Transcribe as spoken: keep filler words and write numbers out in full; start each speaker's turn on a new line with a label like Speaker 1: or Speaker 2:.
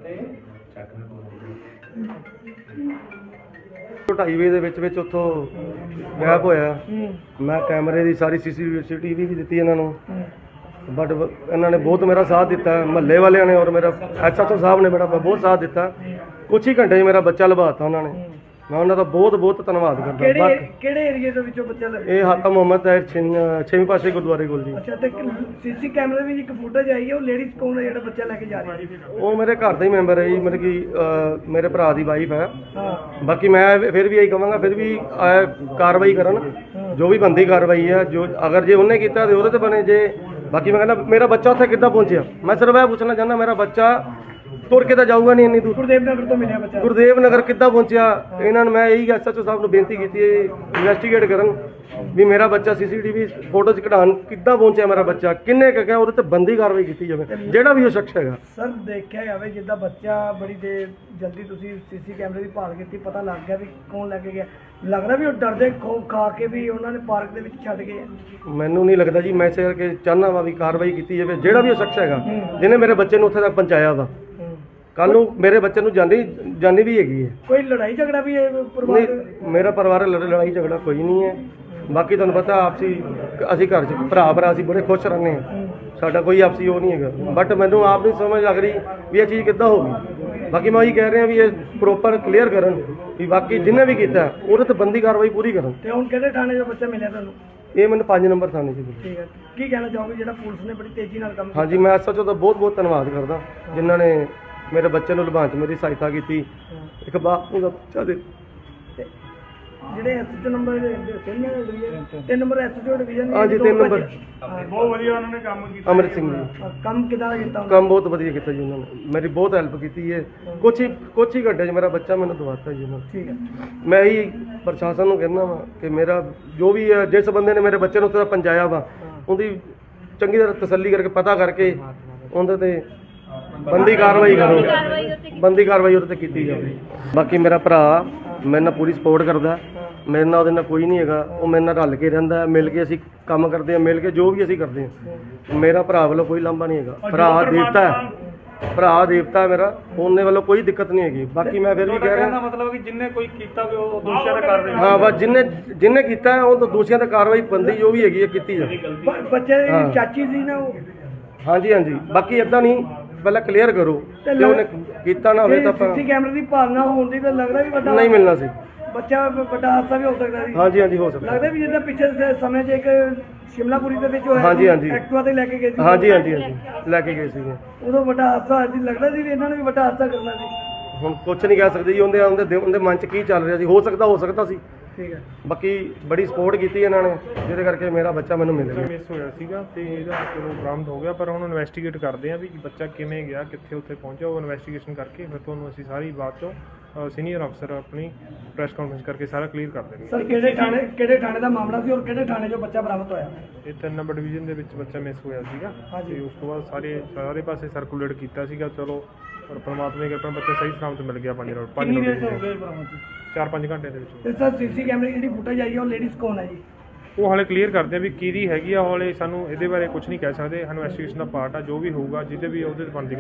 Speaker 1: ਢਾਈ ਵਜੇ ਦੇ ਵਿੱਚ ਵਿੱਚ ਉੱਥੋਂ ਗਾਇਬ ਹੋਇਆ। ਮੈਂ ਕੈਮਰੇ ਦੀ ਸਾਰੀ ਸੀਸੀਟੀਵੀ ਵੀ ਦਿੱਤੀ ਇਹਨਾਂ ਨੂੰ, ਬਟ ਇਹਨਾਂ ਨੇ ਬਹੁਤ ਮੇਰਾ ਸਾਥ ਦਿੱਤਾ, ਮਹੱਲੇ ਵਾਲਿਆਂ ਨੇ ਔਰ ਮੇਰਾ ਐਸਐਚਓ ਸਾਹਿਬ ਨੇ ਮੇਰਾ ਬਹੁਤ ਸਾਥ ਦਿੱਤਾ। ਕੁਛ ਹੀ ਘੰਟੇ 'ਚ ਮੇਰਾ ਬੱਚਾ ਲਭਾਤਾ ਉਹਨਾਂ ਨੇ। ਮੈਂ ਉਹਨਾਂ ਦਾ ਬਹੁਤ ਬਹੁਤ ਧੰਨਵਾਦ ਕਰਦਾ।
Speaker 2: ਕਿਹੜੇ ਕਿਹੜੇ ਏਰੀਏ ਦੇ ਵਿੱਚੋਂ ਬੱਚਾ ਲੱਭਿਆ?
Speaker 1: ਇਹ ਹਾਤਾ ਮੁਹੰਮਦ ਹੈ, ਛੇਵੀਂ ਪਾਸੇ ਗੁਰਦੁਆਰੇ ਕੋਲ ਜੀ।
Speaker 2: ਅੱਛਾ, ਤੇ ਸੀਸੀ ਕੈਮਰੇ ਵਿੱਚ ਇੱਕ ਫੁਟੇਜ ਆਈ ਹੈ, ਉਹ ਲੇਡੀਜ਼ ਕੌਣ ਹੈ ਜਿਹੜਾ ਬੱਚਾ ਲੈ ਕੇ ਜਾ ਰਹੀ ਹੈ?
Speaker 1: ਉਹ ਮੇਰੇ ਘਰ ਦਾ ਹੀ ਮੈਂਬਰ ਹੈ ਜੀ, ਮਤਲਬ ਕਿ ਮੇਰੇ ਭਰਾ ਦੀ ਵਾਈਫ ਹੈ।
Speaker 2: ਹਾਂ,
Speaker 1: ਬਾਕੀ ਮੈਂ ਫਿਰ ਵੀ ਇਹੀ ਕਹਾਂਗਾ, ਫਿਰ ਵੀ ਅਹ, ਕਾਰਵਾਈ ਕਰਨ, ਜੋ ਵੀ ਬੰਦੀ ਕਾਰਵਾਈ ਹੈ। ਜੋ ਅਗਰ ਜੇ ਉਹਨੇ ਕੀਤਾ ਤੇ ਉਹਦੇ ਤੇ ਬਣੇ। ਜੇ ਬਾਕੀ ਮੈਂ ਕਹਿੰਦਾ ਮੇਰਾ ਬੱਚਾ ਉੱਥੇ ਕਿੱਦਾਂ ਪਹੁੰਚਿਆ, ਮੈਂ ਸਿਰਫ ਇਹ ਪੁੱਛਣਾ ਚਾਹੁੰਦਾ, ਮੇਰਾ ਬੱਚਾ ਤੁਰ ਕੇ ਤਾਂ ਜਾਊਗਾ ਨਹੀਂ ਇੰਨੀ ਦੂਰ।
Speaker 2: ਗੁਰਦੇਵ ਨਗਰ ਤੋਂ ਮਿਲਿਆ ਬੱਚਾ।
Speaker 1: ਗੁਰਦੇਵ ਨਗਰ ਕਿੱਦਾਂ ਪਹੁੰਚਿਆ? ਇਹਨਾਂ ਨੂੰ ਮੈਂ ਇਹੀ ਐਸਐਚਓ ਸਾਹਿਬ ਨੂੰ ਬੇਨਤੀ ਕੀਤੀ ਹੈ, ਇਨਵੈਸਟੀਗੇਟ ਕਰਨ ਵੀ ਮੇਰਾ ਬੱਚਾ ਸੀਸੀਟੀਵੀ ਫੋਟੋ 'ਚ ਕਢਾਉਣ ਕਿੱਦਾਂ ਪਹੁੰਚਿਆ, ਮੇਰਾ ਬੱਚਾ ਕਿੰਨੇ ਕੁ ਗਿਆ, ਉਹਦੇ ਤੇ ਬੰਦੀ ਕਾਰਵਾਈ ਕੀਤੀ ਜਾਵੇ, ਜਿਹੜਾ ਵੀ ਉਹ ਸ਼ਖਸ ਹੈਗਾ।
Speaker 2: ਸਰ, ਦੇਖਿਆ ਜਾਵੇ ਜਿੱਦਾਂ ਬੱਚਾ ਬੜੀ ਦੇਰ ਜਲਦੀ ਤੁਸੀਂ ਸੀਸੀ ਕੈਮਰੇ ਦੀ ਭਾਲ ਕੀਤੀ, ਪਤਾ ਲੱਗ ਗਿਆ ਵੀ ਕੌਣ ਲੈ ਕੇ ਗਿਆ, ਲੱਗਦਾ ਵੀ ਉਹ ਡਰਦੇ ਖੋਫ ਖਾ ਕੇ ਵੀ ਉਹਨਾਂ ਨੇ ਪਾਰਕ ਦੇ ਵਿੱਚ ਛੱਡ ਗਏ?
Speaker 1: ਮੈਨੂੰ ਨਹੀਂ ਲੱਗਦਾ ਜੀ। ਮੈਂ ਇਸੇ ਕਰਕੇ ਚਾਹੁੰਦਾ ਵਾ ਵੀ ਕਾਰਵਾਈ ਕੀਤੀ ਜਾਵੇ, ਜਿਹੜਾ ਵੀ ਉਹ ਸ਼ਖਸ ਹੈਗਾ ਜਿਹਨੇ ਮੇਰੇ ਬੱਚੇ ਨੂੰ ਉੱਥੇ ਤੱਕ ਪਹੁੰਚਾਇਆ ਵਾ। ਕੱਲ ਨੂੰ ਮੇਰੇ ਬੱਚੇ ਨੂੰ ਜਾਨੀ ਜਾਨੀ ਵੀ ਹੈਗੀ ਹੈ।
Speaker 2: ਕੋਈ ਲੜਾਈ ਝਗੜਾ ਵੀ ਹੈ ਪਰਿਵਾਰ?
Speaker 1: ਨਹੀਂ, ਮੇਰਾ ਪਰਿਵਾਰ ਲੜਾਈ ਝਗੜਾ ਕੋਈ ਨਹੀਂ ਹੈ। ਬਾਕੀ ਤੁਹਾਨੂੰ ਪਤਾ ਆਪਸੀ ਅਸੀਂ ਘਰ 'ਚ ਭਰਾ ਭਰਾ ਅਸੀਂ ਬੜੇ ਖੁਸ਼ ਰਹਿੰਦੇ ਹਾਂ, ਸਾਡਾ ਕੋਈ ਆਪਸੀ ਉਹ ਨਹੀਂ ਹੈਗਾ। ਬਟ ਮੈਨੂੰ ਆਪ ਨਹੀਂ ਸਮਝ ਲੱਗ ਰਹੀ ਵੀ ਇਹ ਚੀਜ਼ ਕਿੱਦਾਂ ਹੋ ਗਈ। ਬਾਕੀ ਮੈਂ ਉਹੀ ਕਹਿ ਰਿਹਾ ਵੀ ਇਹ ਪ੍ਰੋਪਰ ਕਲੀਅਰ ਕਰਨ ਵੀ ਬਾਕੀ ਜਿਹਨੇ ਵੀ ਕੀਤਾ ਉਹਦੇ ਤੇ ਬੰਦੀ ਕਾਰਵਾਈ ਪੂਰੀ ਕਰਨ।
Speaker 2: ਤੇ ਹੁਣ ਕਿਹੜੇ ਥਾਣੇ 'ਚੋਂ ਬੱਚਾ ਮਿਲਿਆ ਤੁਹਾਨੂੰ?
Speaker 1: ਇਹ ਮੈਨੂੰ ਪੰਜ ਨੰਬਰ ਥਾਣੇ 'ਚ।
Speaker 2: ਠੀਕ ਹੈ, ਕੀ ਕਹਿਣਾ ਚਾਹੋਗੇ ਜਿਹੜਾ ਪੁਲਿਸ ਨੇ ਬੜੀ ਤੇਜ਼ੀ ਨਾਲ ਕੰਮ?
Speaker 1: ਹਾਂਜੀ, ਮੈਂ ਐਸਐਚਓ ਦਾ ਬਹੁਤ ਬਹੁਤ ਧੰਨਵਾਦ ਕਰਦਾ ਜਿਨ੍ਹਾਂ ਨੇ ਮੇਰੇ ਬੱਚੇ ਨੂੰ ਲਭਾਉਣ 'ਚ ਮੇਰੀ ਸਹਾਇਤਾ ਕੀਤੀ। ਇੱਕ ਬਾਪ ਨੂੰ ਦਾ ਬੱਚਾ ਦੇ
Speaker 2: ਜਿਹੜੇ ਐਸਐਚਓ ਨੰਬਰ ਤਿੰਨ ਨੰਬਰ ਐਸਐਚਓ ਡਿਵੀਜ਼ਨ।
Speaker 1: ਹਾਂਜੀ, ਤਿੰਨ ਨੰਬਰ
Speaker 2: ਬਹੁਤ ਵਧੀਆ ਉਹਨਾਂ ਨੇ ਕੰਮ ਕੀਤਾ।
Speaker 1: ਅਮਰਿਤ ਸਿੰਘ ਜੀ,
Speaker 2: ਕੰਮ ਕਿਦਾਂ ਕੀਤਾ?
Speaker 1: ਕੰਮ ਬਹੁਤ ਵਧੀਆ ਕੀਤਾ ਜੀ ਉਹਨਾਂ ਨੇ, ਮੇਰੀ ਬਹੁਤ ਹੈਲਪ ਕੀਤੀ ਹੈ। ਕੁਛ ਹੀ ਕੁਛ ਹੀ ਘੰਟੇ 'ਚ ਮੇਰਾ ਬੱਚਾ ਮੈਨੂੰ ਦਵਾਤਾ ਜੀ ਉਹਨਾਂ ਨੇ।
Speaker 2: ਠੀਕ ਹੈ,
Speaker 1: ਮੈਂ ਹੀ ਪ੍ਰਸ਼ਾਸਨ ਨੂੰ ਕਹਿੰਦਾ ਵਾ ਕਿ ਮੇਰਾ ਜੋ ਵੀ ਹੈ, ਜਿਸ ਬੰਦੇ ਨੇ ਮੇਰੇ ਬੱਚੇ ਨੂੰ ਉੱਥੇ ਪਹੁੰਚਾਇਆ ਵਾ, ਉਹਦੀ ਚੰਗੀ ਤਰ੍ਹਾਂ ਤਸੱਲੀ ਕਰਕੇ ਪਤਾ ਕਰਕੇ ਉਹਦੇ ਤੇ ਬੰਦੀ ਕਾਰਵਾਈ ਕਰੋ, ਬੰਦੀ ਕਾਰਵਾਈ ਉਹਦੇ ਤੇ ਕੀਤੀ ਜਾਵੇ। ਬਾਕੀ ਮੇਰਾ ਭਰਾ ਮੇਰੇ ਨਾਲ ਪੂਰੀ ਸਪੋਰਟ ਕਰਦਾ, ਮੇਰੇ ਨਾਲ ਉਹਦੇ ਨਾਲ ਕੋਈ ਨਹੀਂ ਹੈਗਾ। ਉਹ ਮੇਰੇ ਨਾਲ ਰਲ ਕੇ ਰਹਿੰਦਾ, ਮਿਲ ਕੇ ਅਸੀਂ ਕੰਮ ਕਰਦੇ ਹਾਂ, ਮਿਲ ਕੇ ਜੋ ਵੀ ਅਸੀਂ ਕਰਦੇ ਹਾਂ। ਮੇਰਾ ਭਰਾ ਵੱਲੋਂ ਕੋਈ ਲਾਂਭਾ ਨਹੀਂ ਹੈਗਾ। ਭਰਾ ਦੇਵਤਾ ਹੈ, ਭਰਾ ਦੇਵਤਾ ਮੇਰਾ, ਉਹਨੇ ਵੱਲੋਂ ਕੋਈ ਦਿੱਕਤ ਨਹੀਂ ਹੈਗੀ। ਬਾਕੀ ਮੈਂ ਫਿਰ ਵੀ ਕਹਿ ਰਿਹਾ,
Speaker 2: ਮਤਲਬ ਕਿ ਜਿੰਨੇ ਕੋਈ ਕੀਤਾ ਉਹ ਦੋਸ਼ੀਆਂ ਤੇ ਕਾਰਵਾਈ।
Speaker 1: ਹਾਂ, ਬਸ ਜਿੰਨੇ ਜਿੰਨੇ ਕੀਤਾ ਉਹ ਤਾਂ ਦੋਸ਼ੀਆਂ ਤੇ ਕਾਰਵਾਈ ਬੰਦੀ ਜੋ ਵੀ ਹੈਗੀ ਹੈ ਕੀਤੀ ਜਾਵੇ।
Speaker 2: ਬੱਚੇ ਦੀ ਚਾਚੀ ਸੀ ਨਾ ਉਹ?
Speaker 1: ਹਾਂਜੀ ਹਾਂਜੀ, ਬਾਕੀ ਇਦਾਂ ਨਹੀਂ, ਪਹਿਲਾਂ ਕਲੀਅਰ ਕਰੋ ਤੇ ਉਹਨੇ ਕੀਤਾ ਨਾ ਹੋਵੇ ਤਾਂ ਆਪਾਂ
Speaker 2: ਸੀਸੀ ਕੈਮਰੇ ਦੀ ਭਾਲਣਾ ਹੋਣ ਦੀ ਤਾਂ ਲੱਗਦਾ ਵੀ ਵੱਡਾ
Speaker 1: ਨਹੀਂ ਮਿਲਣਾ ਸੀ।
Speaker 2: ਬੱਚਾ ਵੱਡਾ ਹਾਦਸਾ ਵੀ ਹੋ ਸਕਦਾ ਸੀ।
Speaker 1: ਹਾਂਜੀ ਹਾਂਜੀ, ਹੋ ਸਕਦਾ।
Speaker 2: ਲੱਗਦਾ ਵੀ ਜਿੱਦਾਂ ਪਿੱਛੇ ਸਮੇਂ 'ਚ ਇੱਕ ਸ਼ਿਮਲਾਪੁਰੀ ਦੇ ਵਿੱਚ ਹੋਇਆ,
Speaker 1: ਹਾਂਜੀ ਹਾਂਜੀ,
Speaker 2: ਐਕਟਿਵਾ ਤੇ ਲੈ ਕੇ ਗਏ ਸੀ।
Speaker 1: ਹਾਂਜੀ ਹਾਂਜੀ ਹਾਂਜੀ, ਲੈ ਕੇ ਗਏ ਸੀਗੇ।
Speaker 2: ਉਦੋਂ ਵੱਡਾ ਹਾਦਸਾ ਅੱਜ ਲੱਗਦਾ ਸੀ ਵੀ ਇਹਨਾਂ ਨੇ ਵੀ ਵੱਡਾ ਹਾਦਸਾ ਕਰਨਾ ਸੀ।
Speaker 1: ਹੁਣ ਕੁਝ ਨਹੀਂ ਕਹਿ ਸਕਦੇ ਜੀ, ਉਹਦੇ ਉਹਦੇ ਉਹਦੇ ਮਨ 'ਚ ਕੀ ਚੱਲ ਰਿਹਾ ਸੀ। ਹੋ ਸਕਦਾ ਹੋ ਸਕਦਾ ਸੀ।
Speaker 2: ਠੀਕ ਹੈ,
Speaker 1: ਬਾਕੀ ਬੜੀ ਸਪੋਰਟ ਕੀਤੀ ਇਹਨਾਂ ਨੇ, ਜਿਹਦੇ ਕਰਕੇ ਮੇਰਾ ਬੱਚਾ ਮੈਨੂੰ ਮਿਲ ਗਿਆ।
Speaker 3: ਮਿਸ ਹੋਇਆ ਸੀਗਾ ਤੇ ਇਹਦਾ ਚਲੋ ਬਰਾਮਦ ਹੋ ਗਿਆ, ਪਰ ਹੁਣ ਇਨਵੈਸਟੀਗੇਟ ਕਰਦੇ ਆ ਵੀ ਬੱਚਾ ਕਿਵੇਂ ਗਿਆ, ਕਿੱਥੇ ਉੱਥੇ ਪਹੁੰਚਿਆ। ਉਹ ਇਨਵੈਸਟੀਗੇਸ਼ਨ ਕਰਕੇ ਫਿਰ ਤੁਹਾਨੂੰ ਅਸੀਂ ਸਾਰੀ ਬਾਤ ਚੋਂ ਸੀਨੀਅਰ ਅਫਸਰ ਆਪਣੀ ਪ੍ਰੈਸ ਕਾਨਫਰੰਸ ਕਰਕੇ ਸਾਰਾ ਕਲੀਅਰ ਕਰ ਦੇਣਗੇ।
Speaker 2: ਸਰ ਕਿਹੜੇ ਥਾਣੇ ਕਿਹੜੇ ਥਾਣੇ ਦਾ ਮਾਮਲਾ ਸੀ ਔਰ ਕਿਹੜੇ ਥਾਣੇ 'ਚੋਂ ਬੱਚਾ ਬਰਾਮਦ ਹੋਇਆ?
Speaker 3: ਇਹ ਤਿੰਨ ਨੰਬਰ ਡਿਵੀਜ਼ਨ ਦੇ ਵਿੱਚ ਬੱਚਾ ਮਿਸ ਹੋਇਆ ਸੀਗਾ ਤੇ ਉਸ ਤੋਂ ਬਾਅਦ ਸਾਰੇ ਸਾਰੇ ਪਾਸੇ ਸਰਕੂਲੇਟ ਕੀਤਾ ਸੀਗਾ। ਚਲੋ ਪਰ ਪਰਮਾਤਮਾ ਦੀ ਕਿਰਪਾ ਬੱਚਾ ਸਹੀ ਸਲਾਮਤ ਮਿਲ ਗਿਆ। ਪੰਜ ਰੋਡ ਪੰਜ ਰੋਡ ਚਾਰ ਪੰਜ ਘੰਟੇ ਦੇ ਵਿੱਚ।
Speaker 2: ਤੇ ਸਰ ਸੀਸੀ ਕੈਮਰੇ ਦੀ ਜਿਹੜੀ ਫੁਟੇਜ ਆਈ ਹੈ ਉਹ ਲੇਡੀਜ਼ ਕੌਣ ਹੈ ਜੀ?
Speaker 3: ਉਹ ਹਾਲੇ ਕਲੀਅਰ ਕਰਦੇ ਆ ਵੀ ਕਿਹਦੀ ਹੈਗੀ ਆ। ਹਾਲੇ ਸਾਨੂੰ ਇਹਦੇ ਬਾਰੇ ਕੁਝ ਨਹੀਂ ਕਹਿ ਸਕਦੇ। ਇਨਵੈਸਟੀਗੇਸ਼ਨ ਦਾ ਪਾਰਟ ਆ, ਜੋ ਵੀ ਹੋਊਗਾ ਜਿਹਦੇ ਵੀ ਉਹਦੇ ਤੇ ਬਣਦੀ